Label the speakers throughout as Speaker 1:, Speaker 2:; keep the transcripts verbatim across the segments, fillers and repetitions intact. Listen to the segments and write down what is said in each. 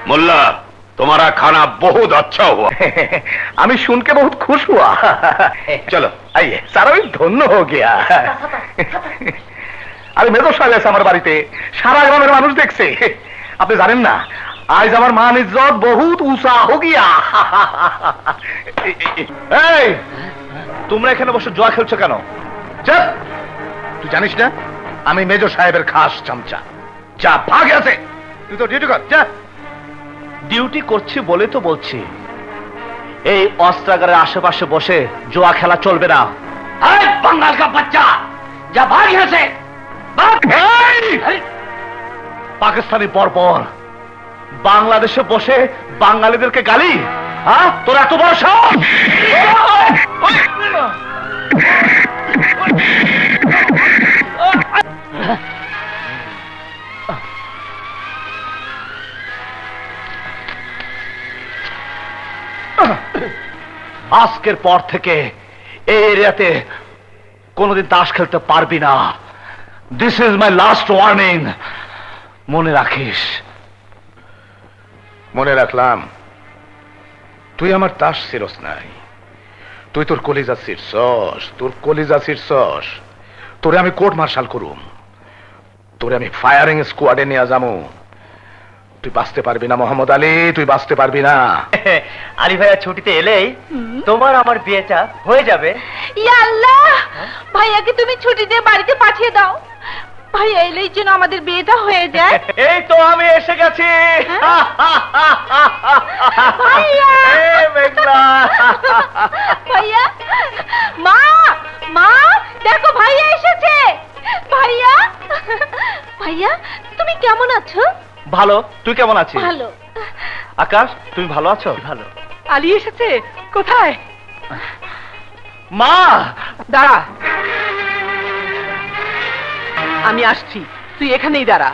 Speaker 1: मुल्ला, तुम्हारा खाना बहुत अच्छा हुआ।
Speaker 2: আমি শুনকে বহুত খুশ হুয়া। চলো আইয়ে, সারা भी ধন্য हो गया। আরে মেজর সাহেব আছে আমার বাড়িতে, সারা গ্রামের মানুষ দেখছে। আপনি জানেন না, আজ আমার মান ইজ্জত বহুত উঁচা हो गया। এই, তোমরা এখানে বসে জুয়া খেলছো কেন? চুপ! তুই জানিস না আমি মেজর সাহেবের খাস চামচা। যা ভাগ আছে, তুই তো ডিউটি কর, যা।
Speaker 3: ডিউটি করছি বলে তো বলছি, এই অস্ত্রাগারের আশেপাশে বসে জুয়া খেলা চলবে না।
Speaker 1: अरे बंगाल का बच्चा, जा भाग यहाँ से।
Speaker 3: পাকিস্তানি বর্বর, বাংলাদেশে বসে বাঙালিদেরকে গালি, হ্যাঁ? তোর এত বড় সাহস! আজকের পর থেকে এই এরিয়াতে কোনোদিন তাস খেলতে পারবি না। This is my last warning, মনে রাখিস।
Speaker 2: মনে রাখলাম। তুই আমার তাস ছিরস নাই, তুই তোর কলিজা ছিরছস, তোর কলিজা ছিরছস। তোরে আমি কোর্ট মার্শাল করুম, তোরে আমি ফায়ারিং স্কোয়াডে নিয়ে যাবো। তুই বাঁচতে পারবি না মোহাম্মদ আলী, তুই বাঁচতে পারবি না।
Speaker 3: আলী ভাইয়া ছুটিতে এলেই তোমার আমার বিয়েটা হয়ে যাবে।
Speaker 4: ইয়া আল্লাহ, ভাইয়াকে তুমি ছুটি দিয়ে বাড়িতে পাঠিয়ে দাও। ভাইয়া এলেই যেন আমাদের বিয়েটা হয়ে যায়।
Speaker 3: এই তো আমি এসে গেছি।
Speaker 4: ভাইয়া!
Speaker 3: এই মেঘলা!
Speaker 4: ভাইয়া, মা, মা, দেখো ভাইয়া এসেছে। ভাইয়া, ভাইয়া, তুমি কেমন আছো?
Speaker 3: ভালো, তুই কেমন আছিস?
Speaker 4: ভালো।
Speaker 3: আকাশ, তুমি ভালো আছো? ভালো।
Speaker 4: আলী এসেছে? কোথায়?
Speaker 3: মা!
Speaker 5: দাঁড়া, আমি আসছি, তুই এখানেই দাঁড়া।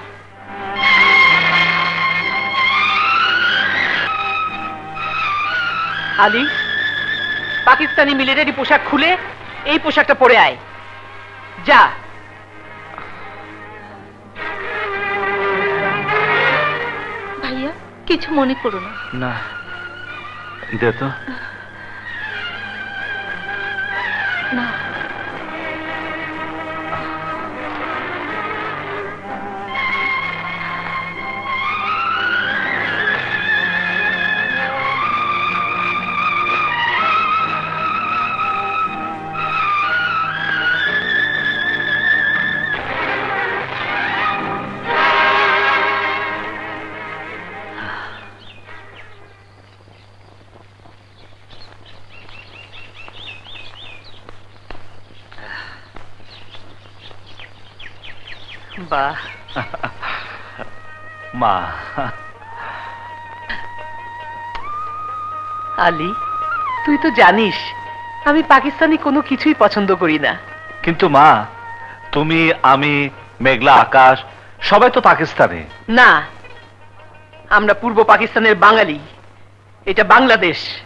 Speaker 5: আলী, পাকিস্তানি মিলিটারি পোশাক খুলে এই পোশাকটা পরে আয়। যা।
Speaker 4: ভাইয়া, কিছু মনে করো না।
Speaker 3: না, দে তো।
Speaker 4: না,
Speaker 5: বাহ,
Speaker 3: মা।
Speaker 5: আলী, তুই তো জানিস আমি পাকিস্তানি কোনো কিছুই পছন্দ করি না।
Speaker 3: কিন্তু মা, তুমি, আমি, মেঘলা, আকাশ সবাই তো পাকিস্তানি।
Speaker 5: না, আমরা পূর্ব পাকিস্তানের বাঙালি। এটা বাংলাদেশ।